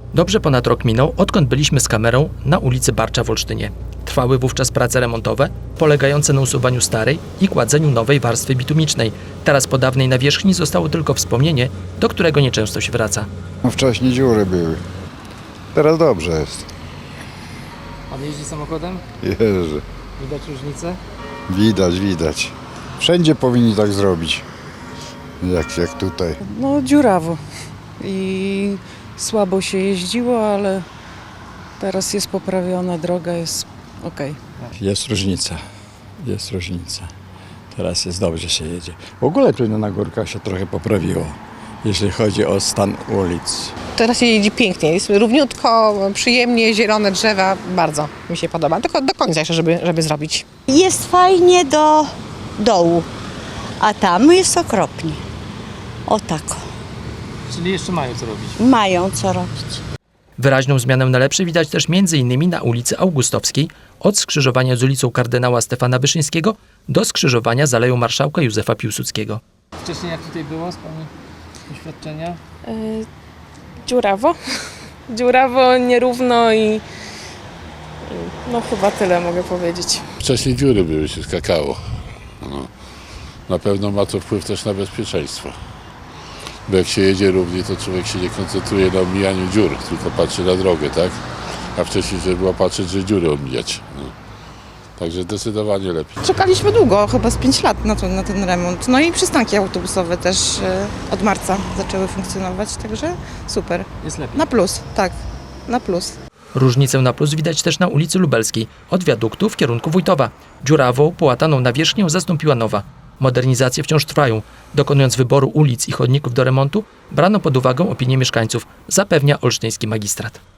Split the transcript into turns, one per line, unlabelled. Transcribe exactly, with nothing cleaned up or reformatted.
Dobrze ponad rok minął, odkąd byliśmy z kamerą na ulicy Barcza w Olsztynie. Trwały wówczas prace remontowe, polegające na usuwaniu starej i kładzeniu nowej warstwy bitumicznej. Teraz po dawnej nawierzchni zostało tylko wspomnienie, do którego nieczęsto się wraca.
No wcześniej dziury były. Teraz dobrze jest.
Pan jeździ samochodem?
Jerzy.
Widać różnicę?
Widać, widać. Wszędzie powinni tak zrobić. Jak, jak tutaj.
No dziurawo i słabo się jeździło, ale teraz jest poprawiona, droga jest okej.
Jest różnica, jest różnica. Teraz jest dobrze się jedzie. W ogóle tu na górkach się trochę poprawiło, jeśli chodzi o stan ulic.
Teraz się jeździ pięknie, jest równiutko, przyjemnie, zielone drzewa, bardzo mi się podoba. Tylko do końca jeszcze, żeby, żeby zrobić.
Jest fajnie do dołu, a tam jest okropnie. O tako.
Czyli jeszcze mają co robić.
Mają co robić.
Wyraźną zmianę na lepsze widać też między innymi na ulicy Augustowskiej, od skrzyżowania z ulicą kardynała Stefana Wyszyńskiego do skrzyżowania z Aleją Marszałka Józefa Piłsudskiego. Wcześniej jak tutaj było z Pani doświadczenia?
Yy, dziurawo. Dziurawo, nierówno i, i no chyba tyle mogę powiedzieć.
Wcześniej dziury były, się skakało. No. Na pewno ma to wpływ też na bezpieczeństwo. Bo jak się jedzie równie, to człowiek się nie koncentruje na omijaniu dziur, tylko patrzy na drogę, tak? A wcześniej trzeba było patrzeć, że dziury omijać. No. Także zdecydowanie lepiej.
Czekaliśmy długo, chyba z pięć lat na, to, na ten remont. No i przystanki autobusowe też e, od marca zaczęły funkcjonować, także super.
Jest lepiej.
Na plus, tak, na plus.
Różnicę na plus widać też na ulicy Lubelskiej, od wiaduktu w kierunku Wójtowa. Dziurawą, połataną nawierzchnię zastąpiła nowa. Modernizacje wciąż trwają. Dokonując wyboru ulic i chodników do remontu, brano pod uwagę opinię mieszkańców, zapewnia olsztyński magistrat.